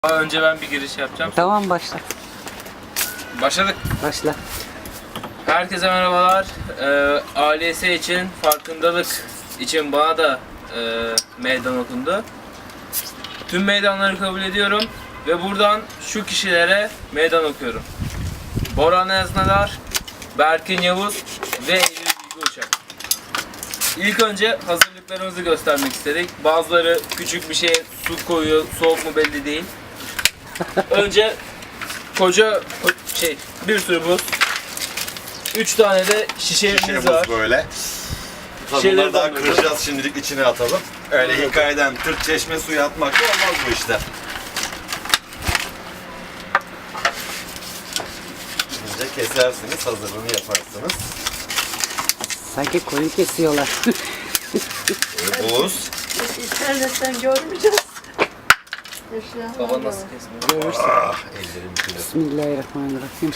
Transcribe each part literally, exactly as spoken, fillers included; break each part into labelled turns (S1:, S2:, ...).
S1: Önce ben bir giriş yapacağım.
S2: Tamam, başla.
S1: Başladık.
S2: Başla.
S1: Herkese merhabalar. Ee, A L S için farkındalık için bana da e, meydan okundu. Tüm meydanları kabul ediyorum ve buradan şu kişilere meydan okuyorum. Boran Eznadar, Berkin Yavuz ve Eylül Bilgi Uçak. İlk önce hazırlıklarımızı göstermek istedik. Bazıları küçük bir şey, su koyuyor, soğuk mu belli değil. Önce koca şey, bir sürü buz. Üç tane de şişemiz
S3: Şişemiz
S1: var.
S3: böyle.
S1: Şişeleri
S3: Bunları daha
S1: dolduruyoruz.
S3: kıracağız, şimdilik içine atalım. Öyle
S1: Evet.
S3: hikayeden tırt çeşme suyu atmak da olmaz bu işte. Önce kesersiniz, hazırlığını yaparsınız.
S2: Sanki koyun kesiyorlar.
S3: Böyle buz.
S4: İnternetten görmeyeceğiz.
S1: Baba nasıl kesmiyor?
S3: Ah, ellerim külü.
S2: Bismillahirrahmanirrahim.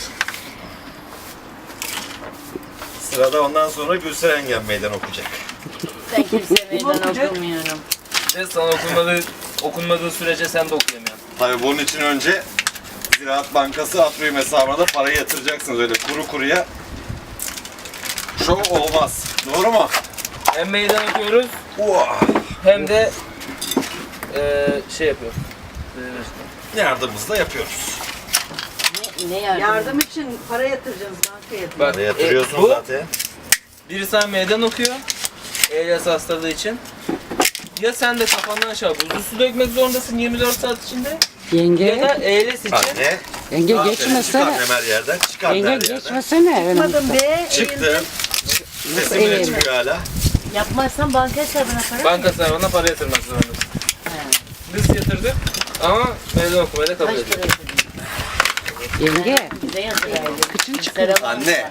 S3: Sırada ondan sonra Gülseren Engin meydan okuyacak.
S4: Ben kimseye meydan okumuyorum.
S1: Ve sana okunmadığı, okunmadığı sürece sen de okuyamıyorsun.
S3: Tabii bunun için önce Ziraat Bankası Atrium hesabına da parayı yatıracaksınız. Öyle kuru kuruya şov olmaz. Doğru mu?
S1: Hem meydan okuyoruz
S3: Uah.
S1: hem de e, şey yapıyoruz.
S3: Yardımımızı da yapıyoruz.
S4: Ne, ne yardım?
S5: Yardım için para yatıracağız bankaya.
S1: Bak,
S3: Parayı yatırıyorsunuz
S1: e, bu,
S3: zaten.
S1: biri sana meydan okuyor. E L S hastalığı için. Ya sen de kafandan aşağı buzlu su dökmek zorundasın yirmi dört saat içinde. Ya
S2: Yenge,
S1: da E L S için.
S3: Anne.
S2: yenge
S3: Aferin,
S2: geçmesene.
S3: Çıkar her yerden. Çıkar her
S2: Yenge
S3: yerden.
S2: geçmesene.
S5: Çıkmadım be.
S3: Çıktım. Sesim bile
S2: eğildim?
S3: çıkıyor hala.
S4: Yapmazsan banka hesabına para
S1: Banka hesabına para yatırmak zorundasın. Biz yatırdık ama meydan okumayı da kabul
S4: kaç
S1: ediyoruz.
S4: para ödedin?
S2: Yenge,
S4: Bize yatıraydı.
S2: kıçın çıkıyor.
S3: Anne.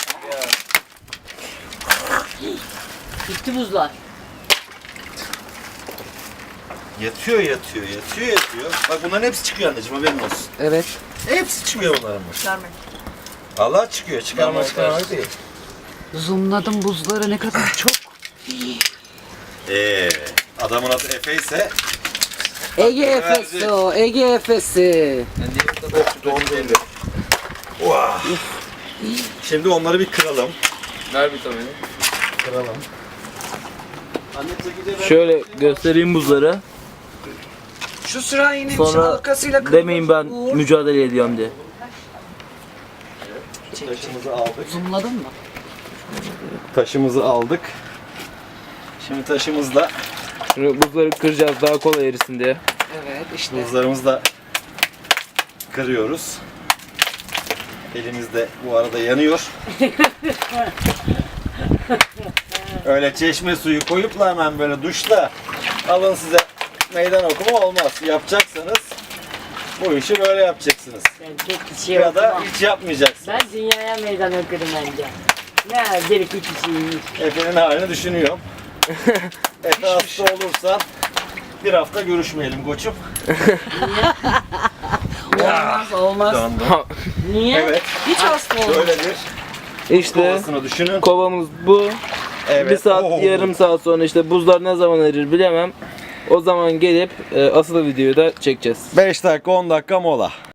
S4: Gitti buzlar.
S3: Yatıyor yatıyor yatıyor yatıyor. Bak bunların hepsi çıkıyor anneciğim, haberin olsun.
S2: Evet.
S3: Hepsi çıkıyor bunların.
S5: Çıkarmayın.
S3: Allah çıkıyor, çıkarma çıkarma değil.
S2: Zoomladım buzları, ne kadar çok.
S3: Eee adamın adı Efe ise
S2: Ege Efesi o, Ege Efesi.
S1: Yani diğer kadar
S3: don belli. Vah. Şimdi onları bir kıralım.
S1: ver bir tabii.
S3: Kıralım. Anne çekeceğim.
S1: Şöyle göstereyim buzları.
S2: Şu sırayının
S1: Sonra
S2: halkasıyla
S1: demeyin ben mücadele ediyorum diye.
S3: Taşımızı aldık.
S2: Zoomladın mı?
S3: Taşımızı aldık. Şimdi taşımızla
S1: Şimdi buzları kıracağız daha kolay erisin diye.
S2: Evet, işte.
S3: buzlarımızı da kırıyoruz. Elimiz de bu arada yanıyor. Öyle çeşme suyu koyup da hemen böyle duşla alın size meydan okuma olmaz. Yapacaksanız bu işi böyle yapacaksınız.
S4: Ben tek kişiye
S3: Ya da
S4: okumam.
S3: hiç yapmayacaksınız.
S4: Ben dünyaya meydan okurum bence. Ne bir iki kişiymiş.
S3: Efe'nin halini düşünüyorum. Efe hasta olursan bir hafta görüşmeyelim koçum.
S2: Olmaz, olmaz.
S3: Döndüm.
S4: Niye?
S3: Evet.
S2: Hiç hasta olmaz.
S3: Şöyle bir
S1: İşte
S3: kovasını düşünün.
S1: kovamız bu.
S3: Evet.
S1: Bir saat,
S3: Oo.
S1: yarım saat sonra işte buzlar ne zaman erir bilemem. O zaman gelip e, asıl videoyu da çekeceğiz.
S3: beş dakika on dakika mola.